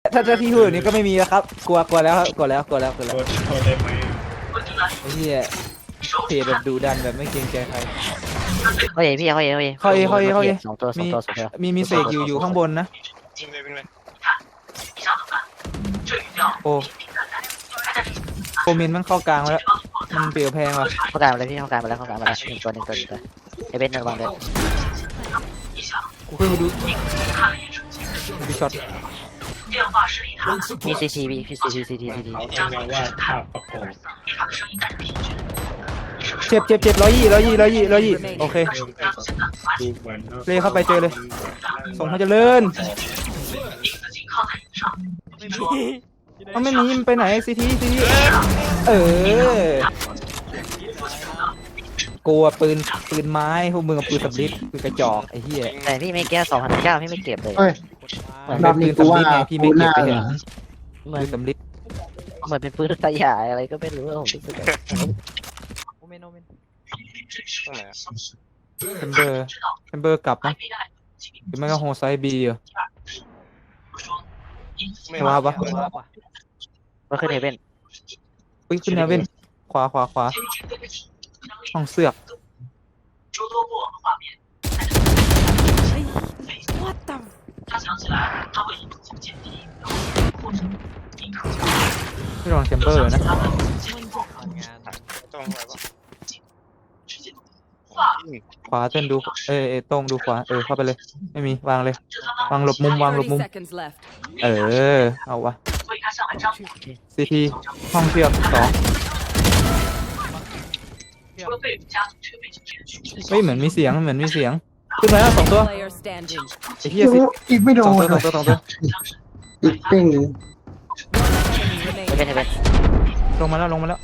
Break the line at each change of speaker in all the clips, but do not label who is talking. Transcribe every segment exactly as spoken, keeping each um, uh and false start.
ถ้าถ้าพี่พูดแบบนี้ก็ไม่มีแล้วครับกลัวกลัวแล้วครับกลัวแล้วกลัวแล้วกลัวแล้ว
โทษโทษได้ไหม
ไอ้เหี้ยเพจแบบดูดันแบบไม่เกรงใจใคร
เขาเอพี่เขาเอเขาเอ
เข้าเอเข้าเอเข้าเอ
สองตัวสอง
มี
ตัวสองตัว
มีมีเสกอยู่อยู่ข้างบนนะ
ยิงเลยเป็นไง
โอ้โคมินมันเข้ากลางแล้วมันเปลี่ยวแพงว่ะ
เข้ากลางมาเลยพี่เข้ากลางมาแล้วเข้ากลางมาแล้วหนึ่งตัวหนึ่งตัวหนึ่งตัวไอเบนระวังเลย
กูขึ้นไปดูดูช็อต
มีซีซีพี่พี่ซีซีซีทีซีที
เอาเอามาว่าภาพประกอบ
เจ็บเจ็บเจ็บร้อยยี่ร้อยยี่ร้อยยี่ร้อยยี่โอเค
ดูเหมือน
เลยเข้าไปเจอเลยส่งเขาเจริญมันไม่มีมันไปไหนซีทีซีทีเออกลัวปืนปืนไม้พวกมึงกับปืนสำลิดปืนกระจอกไอ้เหี้ย
แต่พี่ไม่แก้สองพันเก้าพี่ไม่เก็บเลย
เฮ้ย
เหมือน
ร
เป็
อน บ
ปื
นี้
น
กู
สำลิ
ว่า
ดไงพี่ไม่เก็บไป
กู
เห็น
น่า
เหมือ
ปื
น
นสำลิด
เหมือนเป็นปืนขยายอะไรก็ไม่รู้ผมรู้สึกแบบ
เทมเบอร์เทมเบอร์กลับนะหรือไม่ก็โฮไซบีอ่ะไม่ว้าปะ
ว่าขึ้นเอเบน
อุ้ยขึ้นนะเว้นขวาขวาขวาห้องเสือกไม่ลองเทมเบอร์นะ
ต้องอะไรวะ
ขวาเต้นดูเออเออตรงดูขวาเออเข้าไปเลยไม่มีวางเลยวางหลบมุมวางหลบมุม
seconds left.
เออเอาวะซีทีห้องเชือกสองเฮ้ยเหมือนมีเสียงเหมือนมีเสียงขึ้นมาแล้วสองตัว
Player standing.
ไอ้เหี้ยสิ
อีกไม่โด
สอง
น
ตัวสองตัวสองตัว
อีกปิ้งหนึ่ง
Enemy
เอ
remaining.
เบนเอเบน
ลงมาแล้วลงมาแล้ว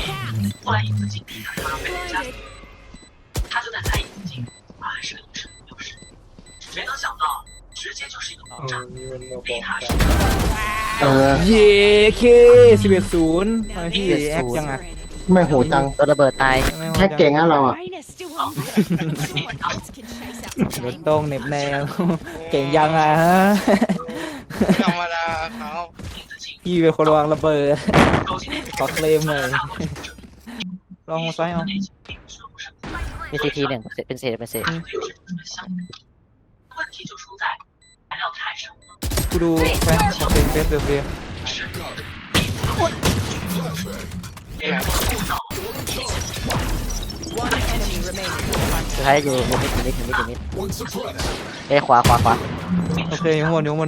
เออนี่มันมาบอกกัน
เออ
เย้เคสิบเอ็ดศูนย์ทำไมพี่แอคยังไง
ไม่โหดจัง
ตัวระเบิดตาย
แค่เก่งอะเราอ่ะ
รถตรงเน็บแนวเก่งยังอ่ะฮะ
ธรรมดาเขา
พี่เป็นคนวางระเบิดขอเคลมหน่อยลองซ้ายเอา
มีซีทีหนึ่งเป็นเศษเป็นเศษ
กูดูแฟนของเพลงเฟสเดอร์เฟีย
ที่ไหน
One enemy remaining.
สุดท้ายอยู่อยู่มิดอยู่มิดอยู่มิดอยู่มิดเอ้ขวาขวาขวา
โอเคอยู่ข้างบนอยู่ข้างบน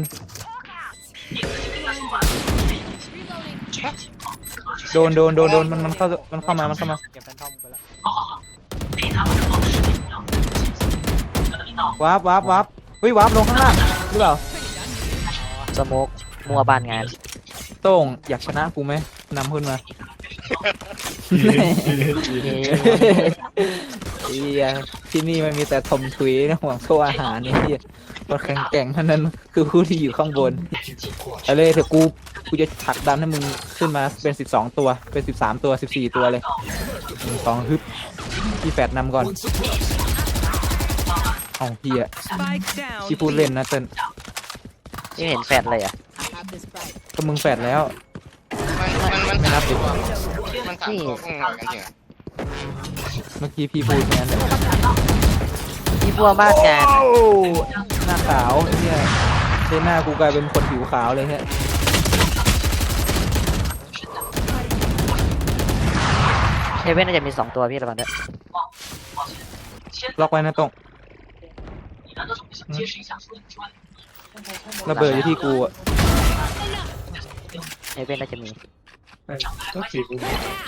โดนโดนโดนโดนมันมันเข้ามันเข้ามามันเข้ามาวับวับวับเฮ้ยวับลงข้างล่างหรือเปล่า
สโมกมัวบ้านงาน
โต้งอยากชนะกูไหมนำขึ้นมาเฮียที่นี่มันมีแต่ทมทุยนะห่วงโซ่อาหารนี่เฮียคนแข็งแกร่งเท่านั้นคือผู้ที่อยู่ข้างบนอะไรเถอะกูกูจะผลักดันให้มึงขึ้นมาเป็นสิบสองตัวเป็นสิบสามตัวสิบสี่ตัวเลยหนึ่งสองฮึบพี่แฟดนำก่อนเอาเฮีย
Spike down.
ที่พูดเล่นนะเติ้ล
ไม่เห็นแฟดเลยอ่ะ
ก็มึงแฟดแล้ว
มันมันมัน
ไม่นับดิ
มันสามตัวข้างหลังกันจริงอ่ะ
เมื่อกี้พี่พูดแค่นั้นแหละ
ที่มัวบ้านงาน
โอ้หน้าขาวไอ้เฮียเส้นหน้ากูกลายเป็นคนผิวขาวเลยฮะ
เอเบนน่าจะมีสองตัวพี่ระวังด้วย
ล็อกไว้นะตรงระเบิดอยู่ที่กูอะ
เอเบนน่าจะมี
ก็สี่กู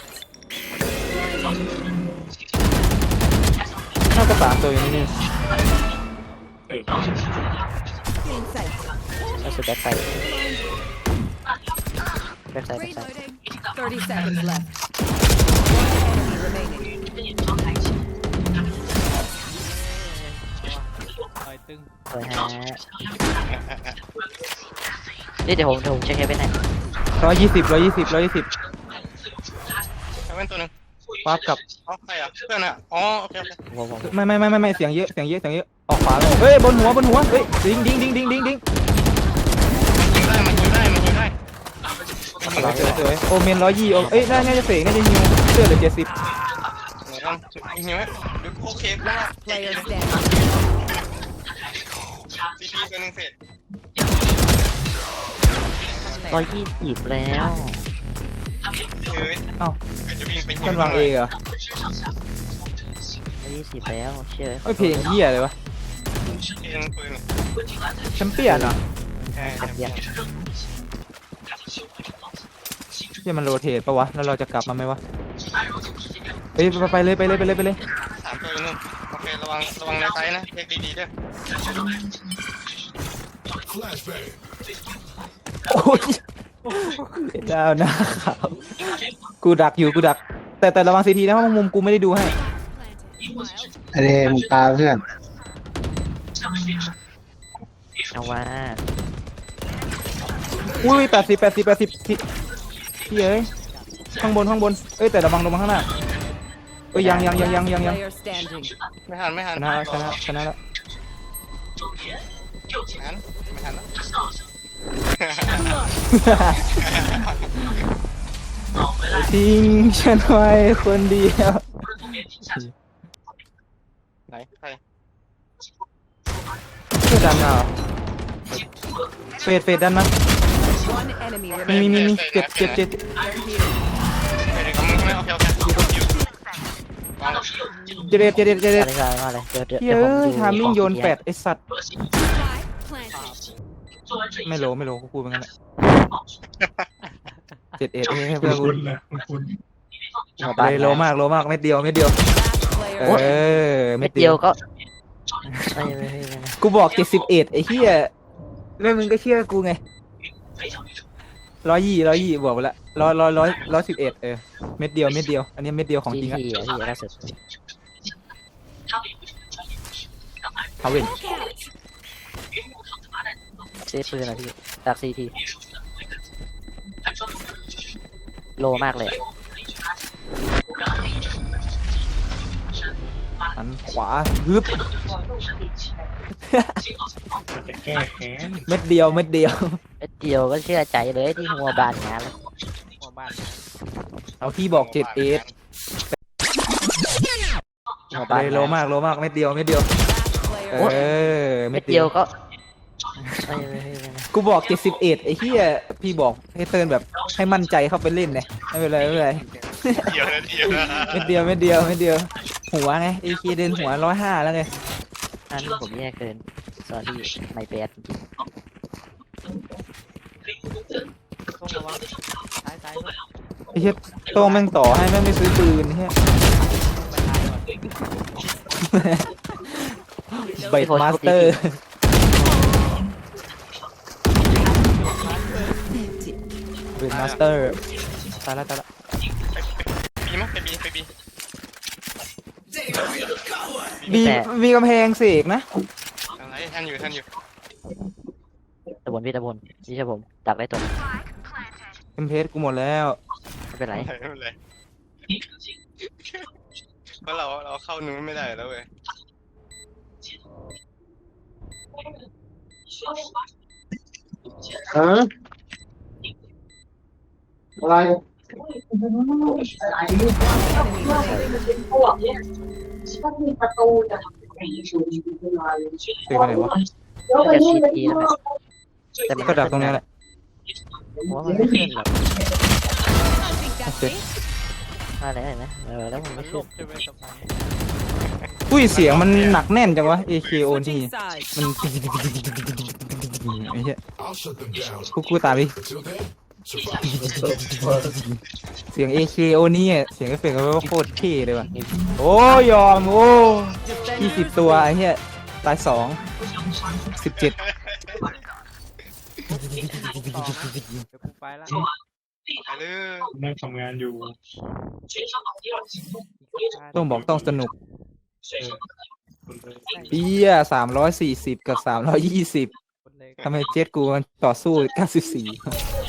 น่าจะสามตัวอยู่นี่นี่
เออ
ล่าสุดแบ็คไซด์แบ็คไซด์แบ็คไซด์
Thirty seconds left. One enemy remaining.
สวยฮะนี่เดี๋ยวผมเดี๋ยวผมเช็คเอเบนให้
ร้อยยี่สิบร้อยยี่สิบร้อยยี่สิบ
เอาเป็นตัวหนึ่ง
ปั๊บกลับ
อ๋อใครอ่ะเพื่อนอ่ะอ๋อโอเคโอเค
ผมผม
ไม่ไม่ไม่ไม่ไม่เสียงเยอะเสียงเยอะเสียงเยอะออกขวาเลยเฮ้ยบนหัวบนหัวเฮ้ยดิ้งดิ้งดิ้งดิ้งดิ้งดิ้ง
ยิงได้มันยิงได้มันยิง
สวยสวยสวยโอเมนร้อยยี่โอเอ้ยน่าน่าจะเสกน่าจะฮิวเสื้อเหลือเจ็ดสิบ
ไหนกันหิวไหมเดี๋ยวโอเคกูว่า
Player standing.
ซีพีตัวหนึ่งเสร็จ
ร้อยยี่สิบแล้ว
เฮ้ย
เอ้า
จะวิ่งไปหิ
มันวางเอเหรอ
ร้อยยี่สิบแล้วเชื่อ
เอ้ยเพลงเหี้ยเลยวะ
เองปืน
แชมเปี้ยนเหรอ
ใช่
แป๊บเดียว
ที่มันโรเทตปะวะแล้วเราจะกลับมาไหมวะเฮ้ยไปไปเลยไปเลยไปเลยไปเลย
สามตัวนึงโอเคระวังระวังในไซนะเช็คดีๆด้วย
โอ้ยดาวนะครับกูดักอยู่กูดัก แต่แต่ระวังซีทีนะเพราะมุมกูไม่ได้ดูให้
ไอเดมงตาเพื่อน
เอาว่า
อุ้ยแปดสิบแปดสิบแปดสิบที่เอ้ยข้างบนข้างบนเอ้ยแต่ระวังลงมาข้างหน้าเอ้ยยังยังยังยังยังยัง
Player standing.
ไม่ทันไม่ทัน
ชนะแล้วชนะชนะแล้ว
ไม่ทันไม่ทันแล้ว
ทิ้งฉันไว้คนเดียว
ไหนใคร
เพื่อดันมาเหรอเฟดเฟดดันมา
One enemy
มี
remaining.
มีมีมีเจ็บเจ็บเจ็บ
เดี๋ยวกับมึงใช่ไหมโอเคโอเคอยู่วาง
เจ็บเจ็บเจ็บเจ็บเจ็บ
อะไรกันมาเลยเดี๋ยวเดี๋ยว
เฮ้
เดี๋ยวผม
ย
ดู
ทามิ่งโยนแปด
ของ
ไอสัตว์
Planted.
ไม่โลไม่โลกูพูดเหมือนกันแหละเจ็ดเอ็ดเอ้ยเพื่อนกู
หัวบ้าน
เลยโลมากโลมากเม็ดเดียวเม็ดเดียว
Last
เอ
player.
อ
เม็
เม็
ด
ด
เดี
เดี
ย
ยว ว
ก็ไม่ไม่ไม่ไม่
กูบอกเจ็ดสิบเอ็ดไอ้เหี้ยแล้วมึงก็เชื่อกูไงร้อยยี่ร้อยยี่บวกไปละร้อยร้อยร้อยร้อยสิบเอ็ดเออเม็ดเดียวเม็ดเดียวอันนี้เม็ดเดียวของ
จี
จริงอะ
ทีอ่ะพี่ล่าสุด
ทาเวน
เซฟปืนอ่ะพี่จากซีทีโลมากเลย
หันขวาฮึบ
จะแก้แค้น
เม็ดเดียวเม็ดเดียว
เม็ดเดียวก็เชื่อใจเลยที่หัวบานงานแล้ว
หัวบ้าน
เอาพี่บอกเจ็ดเอ็ด
หัวบาน
เลยโลมากโลมากเม็ดเดียวเม็ดเดียว
Last
เอ
player.
อ
เม็
เม็
ด
ด
เดี
เดี
ย
ยว ว
ก็ไม่ไม่ไม่ไม่
กูบอกเจ็ดสิบเอ็ดไอ้เหี้ยพี่บอกให้เติร์นแบบให้มั่นใจเข้าไปเล่นเนี่ยไม่เป็นไรไม่เป็นไร
เดียวนะเดียว
เม็ดเดียวเม็ดเดียวเม็ดเดียวหัวไงไอ้คีเดินหัวร้อยห้าแล้วไง
อันนี้ผมแย่เกินสอรี่ไม่แบด
ต้องระวังซ้ายซ้ายด้วย
ไอ้เหี้ยโต้งแม่งต่อให้แม่งไม่ซื้อปืนเหี้ยไบต์มาสเตอร์ไบต์มาสเตอร์ตายละตายละ
บีมั้ยไปบีไปบี
มีมีกำแพงเสกนะ
อะไรท่านอยู่ท่านอยู่
ตะบนพี่ตะบนพี่ใช่ผมดักได้ตัว
เอ็มเพสกูหมดแล้ว
ไม่เป็นไร
ไม่เป็นไรเพราะเราเราเข้านู้นไม่ได้แล้วเว้ย
ฮะอะไร
เสกไปไหนวะ
น่าจะชีพีนะแต่มัน
ก็ดักตรงนี้แหละ
ผมว่ามันไม่ขึ้นหรอก
โอเค
มาแล้วเห็นไหมเออแล้วมันไม่ขึ้น
อุ้ยเสียงมันหนักแน่นจังวะ เอ เค โอ นี่
Switching sides.
มันไอ้เหี้ยกูกูตามดิ เสียง เอ เค โอ นี่เสียงเอฟเฟกต์มันก็โคตรเท่เลยว่ะโอ้ยอมโอ้ยี่สิบตัวไอ้เหี้ยตายสองสิบเจ็ด
ไปเลย
นั่งทำงานอยู่
ต้องบอกต้องสนุก
คนเลย
เอี้ยสามร้อยสี่สิบกับสามร้อยยี่สิบทำไมเจ็ตกูมันต่อสู้เก้าสิบสี่